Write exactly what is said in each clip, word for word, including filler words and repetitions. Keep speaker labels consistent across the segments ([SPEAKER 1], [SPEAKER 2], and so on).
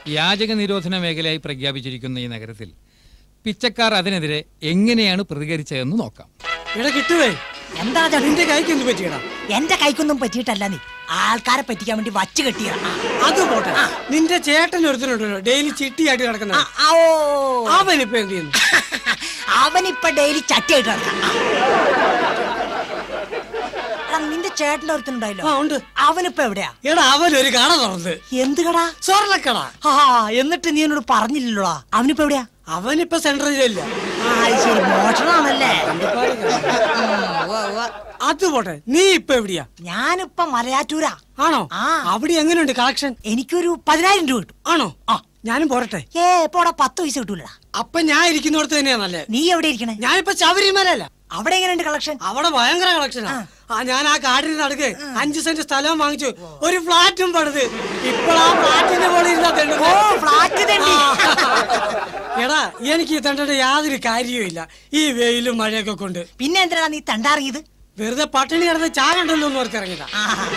[SPEAKER 1] യാചക നിരോധന മേഖലയായി പ്രഖ്യാപിച്ചിരിക്കുന്ന ഈ നഗരത്തിൽ പിച്ചക്കാർ അതിനെതിരെ എങ്ങനെയാണ് പ്രതികരിച്ചതെന്ന് നോക്കാം.
[SPEAKER 2] ഇവിടെ കിട്ടുവേ
[SPEAKER 3] എന്താ
[SPEAKER 2] നിന്റെ കൈക്കൊന്നും പറ്റിയടാ?
[SPEAKER 3] എന്റെ കൈക്കൊന്നും പറ്റിയിട്ടല്ല, നീ ആൾക്കാരെ പറ്റിക്കാൻ വേണ്ടി വച്ച് കെട്ടിയ.
[SPEAKER 2] അത് പോട്ടെ, നിന്റെ ചേട്ടൻ ഒരുത്തനുണ്ടല്ലോ ഡെയിലി ചിട്ടിയായിട്ട് കിടക്കുന്ന, അവനിപ്പോ എന്ത് ചെയ്യുന്നു?
[SPEAKER 3] അവനിപ്പൊ ഡെയിലി ചട്ടിയായിട്ട് കിടക്കാം. നിന്റെ ചേട്ടന്റെ ഒരുത്തനുണ്ടായില്ലോ, അവനിപ്പോ എവിടെയാ?
[SPEAKER 2] എടാ അവനൊരു കട തുറന്ന്.
[SPEAKER 3] എന്ത് കട?
[SPEAKER 2] സ്വർണ്ണക്കട.
[SPEAKER 3] ആ എന്നിട്ട് നീ എന്നോട് പറഞ്ഞില്ലല്ലോടാ. അവനിപ്പോ എവിടെയാ?
[SPEAKER 2] അവനിപ്പോ സെൻട്രൽ ജയിലില്ല.
[SPEAKER 3] ശരി, മോഷണാണല്ലേ?
[SPEAKER 2] അത് പോട്ടെ, നീ ഇപ്പൊ എവിടെയാ?
[SPEAKER 3] ഞാനിപ്പോ മലയാറ്റൂരാ.
[SPEAKER 2] ആണോ? അവിടെ എങ്ങനെയുണ്ട് കളക്ഷൻ?
[SPEAKER 3] എനിക്കൊരു പതിനായിരം രൂപ കിട്ടും.
[SPEAKER 2] ആണോ? ആ ഞാനും പോരട്ടെ.
[SPEAKER 3] ഏ പോടാ, പത്ത് പൈസ കിട്ടൂലടാ.
[SPEAKER 2] അപ്പൊ ഞാൻ ഇരിക്കുന്നിടത്ത് തന്നെയാണല്ലേ?
[SPEAKER 3] നീ എവിടെ ഇരിക്കണേ?
[SPEAKER 2] ഞാനിപ്പോ ശബരിമലല്ല.
[SPEAKER 3] അവിടെ എങ്ങനെയുണ്ട് കളക്ഷൻ?
[SPEAKER 2] അവിടെ ഭയങ്കര കളക്ഷനാ. ആ ഞാൻ ആ കാടിന് നടുക്ക് അഞ്ചു സെന്റ് സ്ഥലവും വാങ്ങിച്ചു, ഒരു ഫ്ലാറ്റും പണിത്. ഇപ്പഴാ ഫ്ലാറ്റിന്റെ പോലെ ഇരുന്നാ. എടാ എനിക്ക് തണ്ടയുടെ യാതൊരു കാര്യവും ഇല്ല ഈ വെയിലും മഴയൊക്കെ കൊണ്ട്.
[SPEAKER 3] പിന്നെ എന്തിനാ നീ തണ്ടാറിയത്?
[SPEAKER 2] വെറുതെ പട്ടിണി കിടന്ന് ചാകണ്ടല്ലോ എന്ന് ഓർത്ത് ഇറങ്ങിയതാ.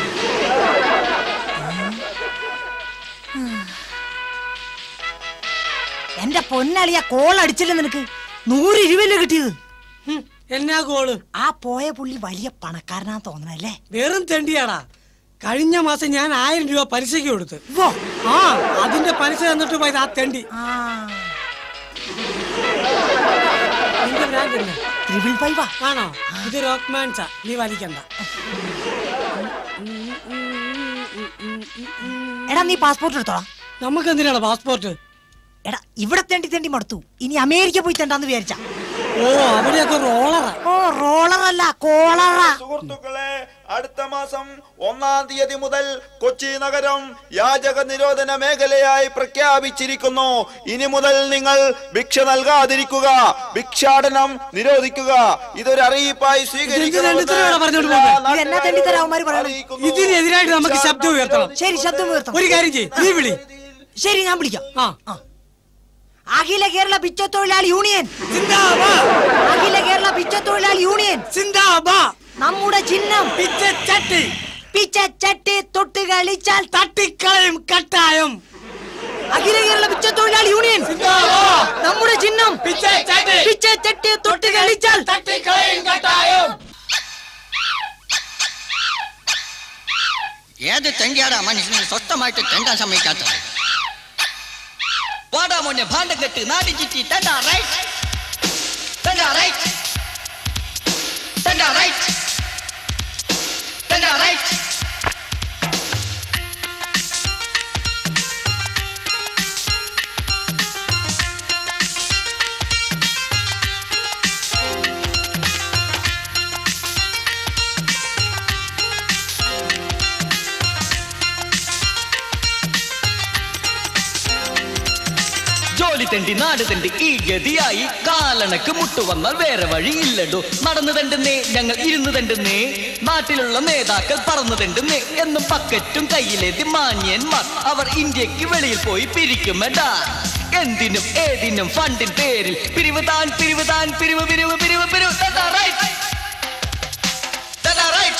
[SPEAKER 3] എന്റെ പൊന്നളിയ, കോൾ അടിച്ചില്ല നിനക്ക്? നൂറ് രൂപയല്ലേ കിട്ടിയത്?
[SPEAKER 2] എന്നാ കോള്?
[SPEAKER 3] ആ പോയ പുള്ളി വലിയ പണക്കാരനാ തോന്നണല്ലേ?
[SPEAKER 2] വെറും തെണ്ടിയാടാ. കഴിഞ്ഞ മാസം ഞാൻ ആയിരം രൂപ പലിശക്ക് കൊടുത്ത്. ആ അതിന്റെ പലിശ തന്നിട്ട് പോയത് ആ തെണ്ടി. ആണോ? ഇത് റോക്ക്മാൻസാ, നീ വലിക്കണ്ട.
[SPEAKER 3] എടാ നീ പാസ്പോർട്ട് എടുത്തോളാം.
[SPEAKER 2] നമുക്ക് എന്തിനാണ് പാസ്പോർട്ട്?
[SPEAKER 3] എടാ ഇവിടെ തെണ്ടി തെണ്ടി മടുത്തു, ഇനി അമേരിക്ക പോയി തെണ്ടാന്ന് വിചാരിച്ച.
[SPEAKER 2] ഓ അവിടെയൊക്കെ റോളറാ.
[SPEAKER 3] ഓ റോളറല്ല, കോളറാ.
[SPEAKER 4] സുഹൃത്തുക്കളെ, അടുത്ത മാസം ഒന്നാം തീയതി മുതൽ കൊച്ചി നഗരം യാചക നിരോധന മേഖലയായി പ്രഖ്യാപിച്ചിരിക്കുന്നു. ഇനി മുതൽ നിങ്ങൾ ഭിക്ഷ നൽകാതിരിക്കുക, ഭിക്ഷാടനം നിരോധിക്കുക. ഇതൊരു അറിയിപ്പായി സ്വീകരിക്കണം.
[SPEAKER 2] ഇതിനെതിരായിട്ട് നമുക്ക് ശബ്ദം ഉയർത്തണം.
[SPEAKER 3] ശരി, ശബ്ദം ഉയർത്തണം.
[SPEAKER 2] ഒരു കാര്യം ചെയ്യ്, നീ വിളി.
[SPEAKER 3] ശരി, ഞാൻ വിളിക്കാം. അഖില കേരള പിച്ചത്തൊഴിലാളി യൂണിയൻ
[SPEAKER 2] സിന്ദാബാദ്.
[SPEAKER 3] അഖില കേരള പിച്ചത്തൊഴിലാളി യൂണിയൻ
[SPEAKER 2] സിന്ദാബാദ്.
[SPEAKER 3] നമ്മുടെ ചിഹ്നം
[SPEAKER 2] പിച്ചച്ചട്ടി.
[SPEAKER 3] പിച്ചച്ചട്ടി തൊട്ട് കളിച്ചാൽ
[SPEAKER 2] തട്ടിക്കളയും കട്ടായം.
[SPEAKER 3] അഖില കേരള പിച്ചത്തൊഴിലാളി യൂണിയൻ
[SPEAKER 2] സിന്ദാബാദ്.
[SPEAKER 3] നമ്മുടെ ചിഹ്നം
[SPEAKER 2] പിച്ചച്ചട്ടി.
[SPEAKER 3] പിച്ചച്ചട്ടി തൊട്ട് കളിച്ചാൽ
[SPEAKER 2] തട്ടിക്കളയും കട്ടായം.
[SPEAKER 5] ഏത് തെണ്ടിയാടാ മനുഷ്യനെ സ്വസ്ഥമായിട്ട് തെണ്ടാൻ സമ്മതിക്കാത്ത? വാടാ മോനെ, ഭാണ്ഡം കെട്ട് നാടി ചുറ്റി തെണ്ടാ റൈറ്റ്, തെണ്ടാ റൈറ്റ്, തെണ്ടാ റൈറ്റ്, തെണ്ടാ റൈറ്റ്. ജോലി തെണ്ടി നാട് തെണ്ടി ഈ ഗതിയായി, കാലണക്ക് മുട്ടുവന്നാൽ വേറെ വഴി ഇല്ലടോ. നടന്നു തണ്ടുന്നേ ഞങ്ങൾ ഇരുന്ന് തണ്ടുന്നേ, നാട്ടിലുള്ള നേതാക്കൾ പറന്നു തണ്ടുന്നേ എന്നും പക്കറ്റും കയ്യിലേതി മാന്യന്മാർ. അവർ ഇന്ത്യക്ക് വെളിയിൽ പോയി പിരിക്കുമെടാ. എന്തിനും ഏതിനും ഫണ്ടിൻ പേരിൽ പിരിവ് താൻ പിരിവ് താൻ പിരിവ് പിരിവ് പിരിവ് പിരിവ്. Right, right,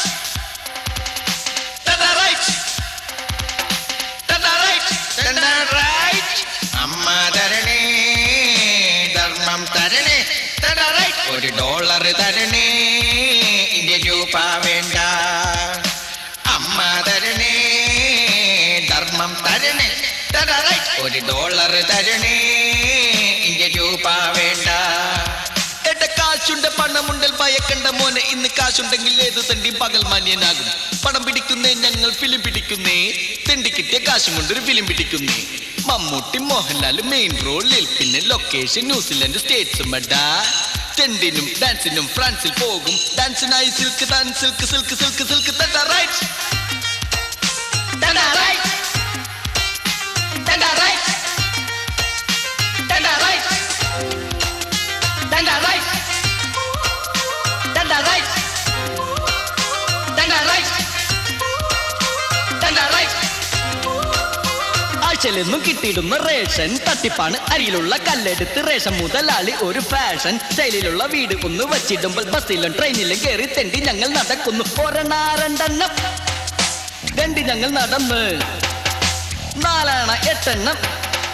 [SPEAKER 5] right. അമ്മ തരണേ, ധർമ്മം തരണേ, ഒരു ഡോളർ തരണേ, ഇന്ത്യ രൂപ വേണ്ട. അമ്മ തരണേ, ധർമ്മം തരണേ, ഒരു ഡോളർ തരണേ, ഇന്ത്യ രൂപ വേണ്ട. എട്ട കാശുണ്ട് പണമുണ്ടൽ ഭയക്കണ്ട മോനെ, ഇന്ന് കാശുണ്ടെങ്കിൽ ഏത് തണ്ടി പകൽ മാന്യനാകും. പണം പിടിക്കുന്നേ ഞങ്ങൾ ഫിലിം പിടിക്കുന്നേ, തെണ്ടി കിട്ടിയ കാശും കൊണ്ടൊരു ഫിലിം പിടിക്കുന്നേ. മമ്മൂട്ടി മോഹൻലാൽ മെയിൻ റോളിൽ, പിന്നെ ലൊക്കേഷൻ ന്യൂസിലൻഡ് സ്റ്റേറ്റ്സും അടാ. ടെൻഡിനും ഡാൻസിനും ഫ്രാൻസിൽ പോകും, ഡാൻസിനായി സിൽക്ക് താൻ സിൽക്ക് സിൽക്ക് സിൽക്ക് സിൽക്ക്. തണ്ടാ റൈറ്റ്, തണ്ടാ റൈറ്റ്, തണ്ടാ റൈറ്റ്, തണ്ടാ റൈറ്റ്, തണ്ടാ റൈറ്റ്, തണ്ടാ റൈറ്റ്, തണ്ടാ റൈറ്റ്, തണ്ടാ റൈറ്റ്. ആഴ്ചയിലെന്നും കിട്ടിയിടുന്ന റേഷൻ തട്ടിപ്പാണ്. അരിയിലുള്ള കല്ലെടുത്ത് റേഷൻ മുതലാളി ഒരു ഫാഷൻ സ്റ്റൈലിലുള്ള വീട് ഒന്ന് വച്ചിടുമ്പോൾ ബസ്സിലും ട്രെയിനിലും കയറി തെണ്ടി ഞങ്ങൾ നടക്കുന്നു. ഒരെണ്ണ രണ്ടെണ്ണം രണ്ടി ഞങ്ങൾ നടന്ന്, നാലാണ് എട്ടെണ്ണം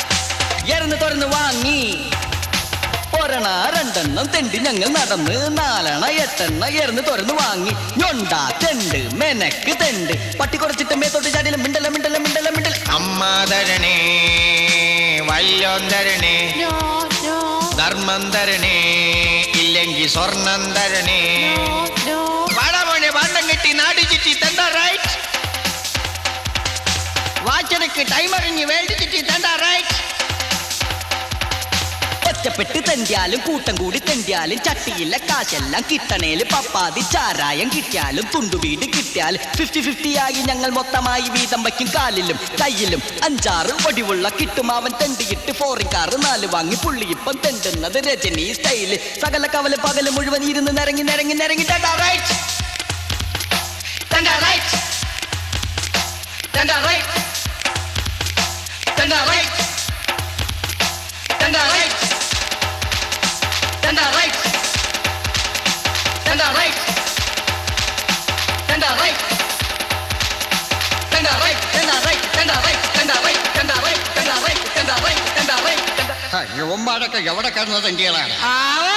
[SPEAKER 5] എറന്ന് തുറന്ന് വാങ്ങി. ഒരെണ്ണ രണ്ടെണ്ണം തെണ്ടി ഞങ്ങൾ നടന്ന് നാലെണ്ണ എട്ടെണ്ണ എറന്ന് തുറന്ന് വാങ്ങി. ഞൊണ്ട തെണ്ട് മെനക്ക് തെണ്ട് പട്ടി കുറച്ചിട്ട് മേത്തോട്ട് ചാടിയില്ല മിണ്ടല മിണ്ടല മിണ്ടല മിണ്ടല.
[SPEAKER 6] അമ്മ തരണേ വല്ലോം തരണേ ധർമ്മം തരണേ ഇല്ലെങ്കിൽ സ്വർണം തരണേ. വാടാമോനെ വണ്ണം കെട്ടി നാട് ചുറ്റി തണ്ട റൈറ്റ്. വാച്ചനക്ക് ടൈമറിഞ്ഞ് വേണ്ടി ചുറ്റി തണ്ട റൈറ്റ്.
[SPEAKER 5] ഒറ്റപ്പെട്ട് തെണ്ടിയാലും കൂട്ടം കൂടി തെണ്ടിയാലും ചട്ടിയില്ല കാശെല്ലാം കിട്ടണേല് പപ്പാതി ചാരായം കിട്ടിയാലും തുണ്ടുവീട് കിട്ടിയാലും ഫിഫ്റ്റി ഫിഫ്റ്റി ആയി ഞങ്ങൾ മൊത്തമായി വീതം വയ്ക്കും. കാലിലും കയ്യിലും അഞ്ചാറ് ഒടിവുള്ള കിട്ടും അവൻ തെണ്ടിയിട്ട് ഫോറിൻ കാറ് നാല് വാങ്ങി. പുള്ളി ഇപ്പം തെണ്ടുന്നത് രജനി സ്റ്റൈല്. സകല കവല് പകല് മുഴുവൻ ഇരുന്ന് നിരങ്ങി നിരങ്ങി നിരങ്ങി തണ്ട റൈറ്റ് തണ്ട റൈറ്റ് തണ്ട റൈറ്റ് തണ്ട റൈറ്റ് തണ്ട right Tender right, tender right, tender right, tender right, tender right, tender right, tender right, tender right, tender right, tender right, tender right, tender right.
[SPEAKER 6] യുവന്മാരൊക്കെ എവിടെ കിടന്നത് എന്തിയാണ്?
[SPEAKER 3] അവൻ